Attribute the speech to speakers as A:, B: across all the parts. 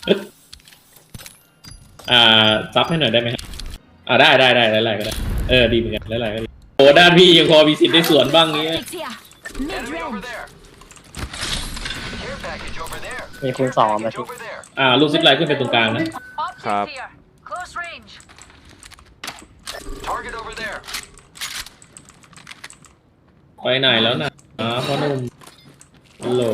A: ซับให้หน่อยได้ไหมครับได้หลายๆก็ได้ดีเหมือนกันหลายๆก็ดีโอ้ด้านพี่ยังพอมีสิทธิ์ได้สวนบ้างนี้
B: มีคูณ2มาสิ
A: ลูกซิปไลน์ขึ้นไปตรงกลางนะครับไปไหนแล้วนะพ่อหนุ่มฮัลโหล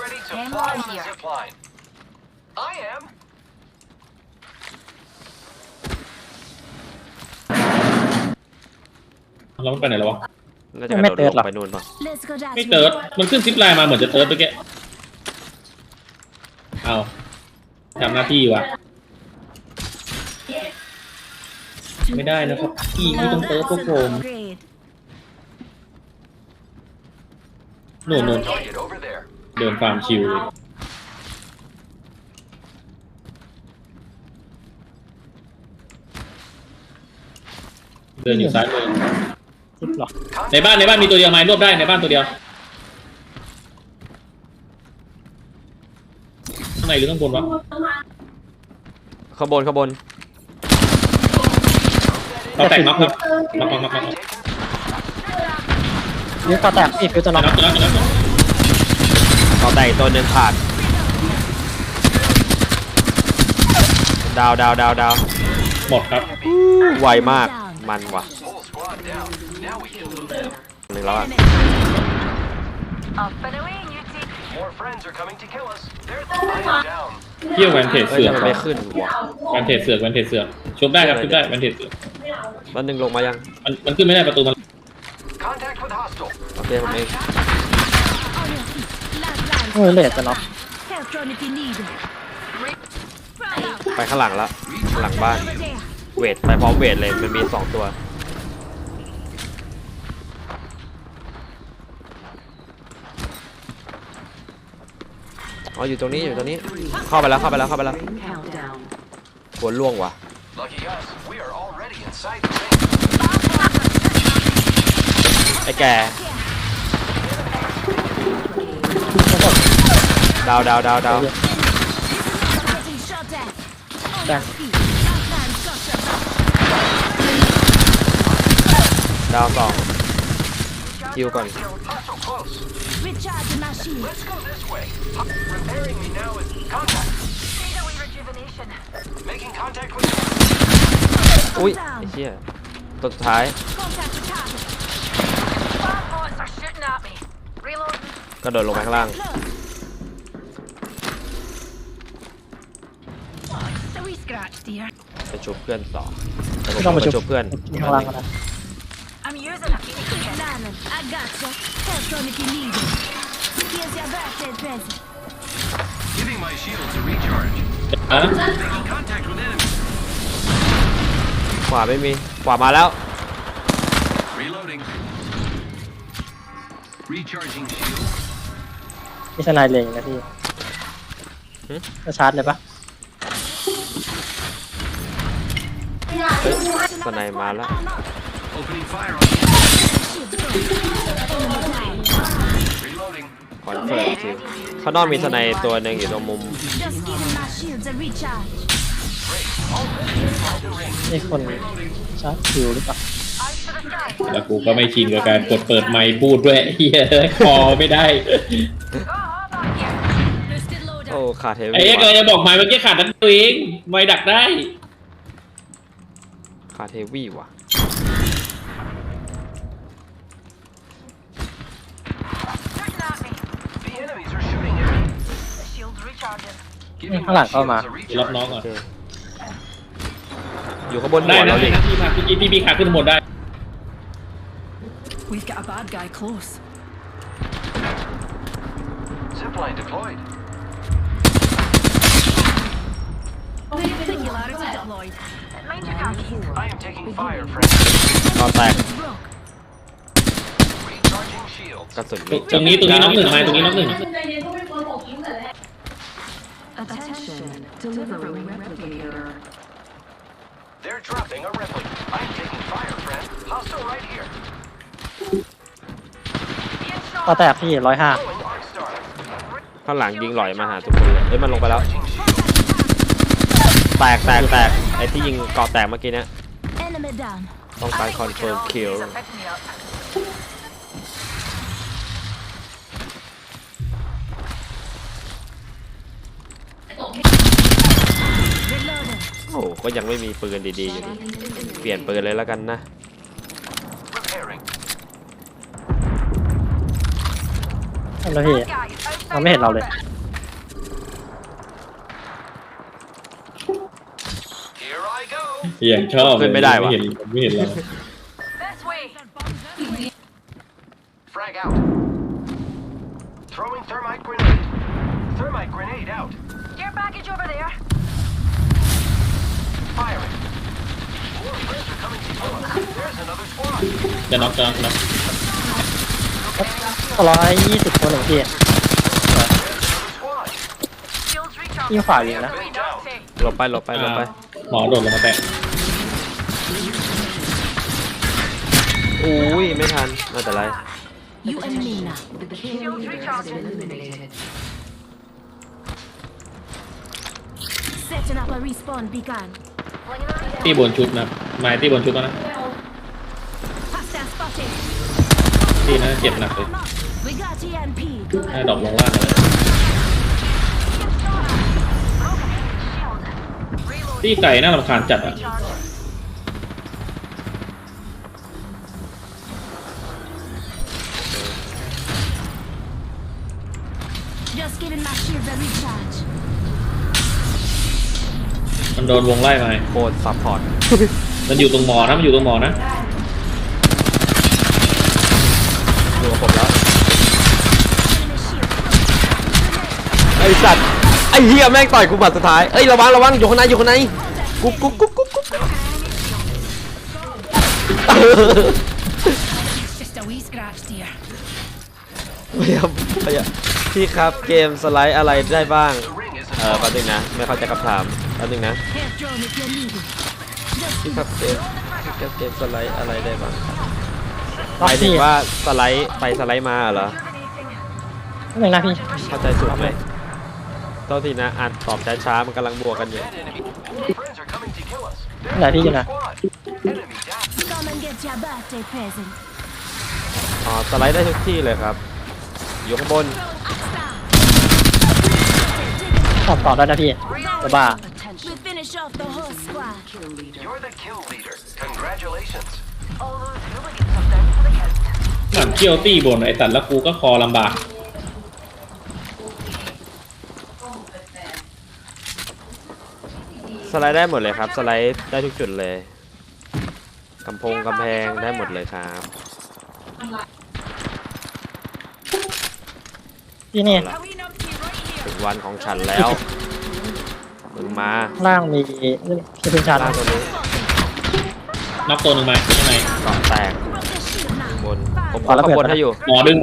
A: แล้วมันไปไหนแล้ววะ
B: ไม่เติร์ดหรอ
C: ไปนู่นป่ะ
A: ไม่เติร์ดมันขึ้นซิปไลน์มาเหมือนจะเติร์ดไปแกเอาทำหน้าที่วะไม่ได้นะครับพี่ไม่ต้องเติร์ดพวกผมนู่นเดินฟาร์มชิวเลยเดินอยู่ซ้ายมือในบ้านมีตัวเดียวไหมรวบได้ในบ้านตัวเดียวข้างในหรือข้างบนวะ
C: ข้างบน
A: เราแต่งน็อกครับน็อก
B: นี่ก็แตกอีกฟิวจะน็อก
C: เขาแต่งตัวหนึ่งขาดดาว
A: หมดครับ
C: ไวมากมันว่ะหนึ่งแล้วอะ
A: เที่ยวแวนเทจเสือก
C: ไม่ขึ้นว่ะ
A: แวนเทจเสือกชุบได้ครับชุบได้แวนเทจเสือก
C: มันหนึ่งลงมายัง
A: มันขึ้นไม่ได้ประตูมัน
C: โอเคผมเอง
B: เลดจะน็อก
C: ไปข้างหลังแล้วหลังบ้านเวทไปพร้อมเวทเลยมันมี2 ตัวอยู่ตรงนี้เข้าไปแล้วหัวล่วงว่ะไอ้แกดาว2ฮิวก่อนอุ้ยไอ้เหี้ยตัวสุดท้ายกระโดดลงไปข้างล่างไปชุบเพื่อนต่อ
B: ต้องมา
C: ชุบเพื่อน
B: ข้างล่างก็ได้
C: ขวาไม่มีขวามาแล้ว
B: มีสไนเล็งนะพี่จะชาร์จเลยปะ
C: สไนมาแล้วคอนเฟิร์มจริงข้างนอกมีสไนตัวหนึ่งอยู่ตรงมุม
B: นี่คนชาร์จคิวหรือเปล่า
A: แล้วกูก็ไม่ชินกับการกดเปิดไมค์พูดด้วยเฮียคอไม่ได้
C: โอ้ขาดเทวี
A: ไอ้ก็จะบอกไมค์เมื่อกี้ขาดนั่นตัวเองไมค์ดักได้
C: ขาดเทวีว่ะ
B: ข้างหลังเข้ามา
A: รับน้องก่อน
C: อยู่ข้างบนหั
A: ว
C: เราดิ
A: พี่ขาขึ้นหมดได้
D: We've got a bad guy close.
E: Zipline deployed.
D: Singularity deployed.
E: I am taking fire, friend.
C: ต่อแตก
E: Recharging shields.
C: กระสุน
A: ตรงนี้น็อกหนึ่งตรงนี้น็อกหนึ่ง
D: Attention, delivering replicator.
E: They're dropping a replica. I am taking fire, friend. Hostile right here.
B: ต่อแตกพี่105
E: Going arc star.
C: ข้างหลังยิงหลอยมาหาทุกคนเลยมันลงไปแล้วแตกไอ้ที่ยิงเกาะแตกเมื่อกี้เนี้ย
D: Enemy down.
C: ต้องการคอนเฟิร์มคิว
D: Reloading.
C: โอ้โหก็ยังไม่มีปืนดีๆอยู่ดีเปลี่ยนปืนเลยแล้วกันนะ
E: Repairing.
B: แล้วพี่เราไม่เห็นเราเลย
E: Here I go.
A: อย่างชอบ
C: ขึ้นไม่ได้วะ
A: ไม่เห็นเรา
D: This way.
E: Frag out. Throwing thermite grenade. Thermite grenade out.
D: Care package over there.
E: Firing. More friends are coming to kill us. There's another squad.
A: จะน็อก
B: 120 คนหนึ่งพี่
E: There's another squad.
D: Shields recharged.
B: ยิงฝ่ายิงนะ
E: Been down.
C: หลบไป
A: หมอโดดลงมาแตะ
C: อุ้ยไม่ทันไม่เป็นไร
D: You and me now. Shields recharged. Setting up a respawn beacon.
A: ตีบนชุดนะไม้ตีบนชุดแล้วนะ
D: Hostile spotted.
A: ตีนะเจ็บหนักเลย
D: We got EMP.
A: น่าดอกลงล่างเลยตีไก่น่ารำคาญจัดอ่ะ
D: Just giving my shields a recharge.
A: มันโดนวงไล่มา
C: โคตรซัพพอร์ต
A: มันอยู่ตรงหมอนะมันอยู่ตรงหมอนะ
C: อยู่กับผมแล้ว
D: Enemy shield.
C: ไอ้สัตว์ไอ้เหี้ยแม่งต่อยกูบัดสุดท้ายเอ้ยระวังอยู่ข้างในกุ๊บ
D: It's just a wee scratch, dear.
C: พยายามพี่ครับเกมสไลด์อะไรได้บ้าง
E: The ring is
C: แป๊บนึงนะไม่เข้าใจคำถามแป๊บนึงนะ
D: Head drone if you need it.
C: พี่ครับเกมสไลด์อะไรได้บ้างห
B: ล็อก
C: มายถึง
B: พี่
C: ว่าสไลด์ไปสไลด์มาเหรอ
B: หนึ่งนะพี่
C: เข้าใจสุดไหมโทษทีนะอ่านตอบช้าๆมันกำลังบวกกันอยู่
E: dead enemy. Friends are coming to kill us.
B: ไหนพี่อยู่
E: There's
B: นะ
E: a squad. Enemy down.
D: Come and get your birthday present.
C: อ๋อสไลด์ได้ทุกที่เลยครับ อยู่ข้างบน
B: ต่อได้นะพี่จะบ้า
D: We finish off the whole squad.
E: You're the kill leader. Congratulations.
A: หลังเคี่ยวตีบนไอ้ตัดแล้วกูก็คอลำบาก
C: สไลด์ได้หมดเลยครับ สไลด์ได้ทุกจุดเลยกำแพงได้หมดเลยครับ
B: พี่นี่
C: ถึงวันของฉันแล้วมึงมา
B: ล่างมีที่เป็นชาร์
C: ล่าง
B: จ
C: ตัวนี้
A: น็อกตัวหนึ่งมาข้างใน
C: เกาะแตก
D: Broke the shield now.
C: บนผมขอข้างบนให้อยู่
A: หมอดึง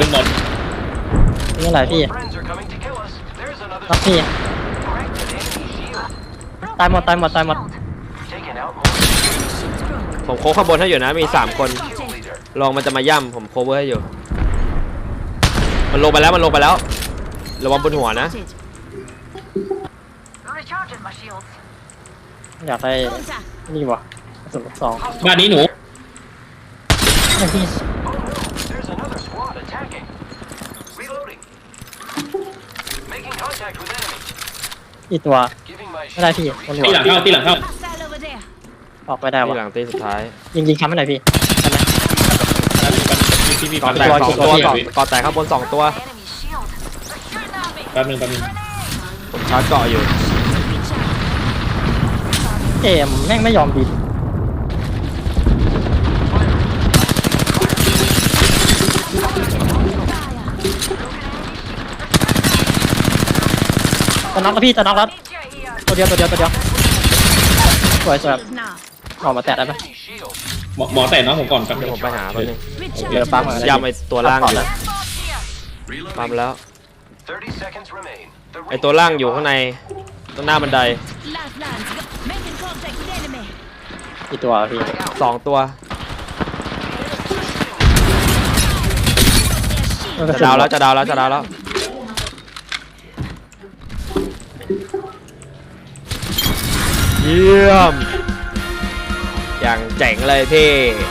B: นี่อะไรพี่
E: Friends are coming to kill us. There's
B: ล็อก
E: another
B: พี่
E: corrected enemy shield.
B: ตายหมด
E: Taking out more.
C: ผมโค้งข้างบนให้อยู่นะมี3คน
E: Kill leader.
C: ลองมันจะมาย่ำผมโคเวอร์ให้อยู่ มันลงไปแล้วระวังบนหัวนะ
D: Spotted.
E: Recharging my shields.
B: อยากได้
D: Contact.
B: นี่วะกระสุนลูกซอง
A: บ้านนี้หนู
B: นี่พี่
E: There's another squad attacking. Reloading. Making contact with enemy.
B: อีกตัว
E: Giving my
B: ไม่ได้พี่
E: shields a
B: คน
E: recharge.
B: หัว
A: ตีหลังเข้า
D: Hostile over there.
B: ออกไม่ได้
C: ที่
B: วะ
C: หลังตีสุดท้าย
B: ยิงค้ำไม่ไหนพี่ใช่ไหม
A: พี่
C: เกาะแตก
B: ตัว
C: 2 ตัว
B: ตัว
C: เกาะแตกข้างบน2 ตัว
D: Enemy shield. Recruit army.
A: แป๊บนึง
C: ผมชาร์จเกาะอยู่
D: Recharge.
B: เกมแม่งไม่ยอมบินจะน็อกแล้วพี่จะน็อกแล้วตัวเดียวสวย
D: Shield now.
B: ออกมาแตะได้ไหม
E: Enemy shield.
A: หมอแตะน้องผมก่อนครับ
C: เดี๋ยวผมไปหาแป๊บนึง
B: เดี๋ยว
D: Recharge.
B: ปั๊มมา
C: ย่ำไอตัวล่างอยู่
E: Reloading.
C: ปั๊มแล้ว
E: 30 seconds remain. The
C: ไอตัวล่างอยู่ข้างในตรงหน้าบันได
D: Lifelines. Making contact with enemy.
B: อีกตัวพี่
C: 2 ตัว
D: Their shield.
C: จะดาวแล้ว
B: ก
C: เยี่ยมอย่างเจ๋งเลยพี่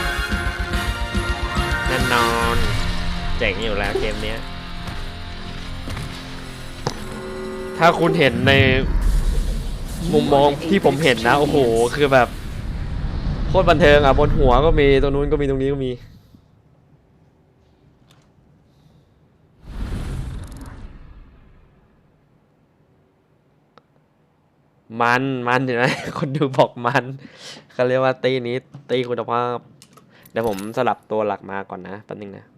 C: แน่นอนเจ๋งอยู่แล้วเกมเนี้ยถ้าคุณเห็นในมุมมองที่ผมเห็นนะโอ้โหคือแบบโคตรบันเทิงอ่ะบนหัวก็มีตรงนู้นก็มีตรงนี้ก็มีมันเห็นไหมคนดูบอกมันเขาเรียกว่าตีนี้ตีคุณภาพเดี๋ยวผมสลับตัวหลักมาก่อนนะแป๊บนึงนะ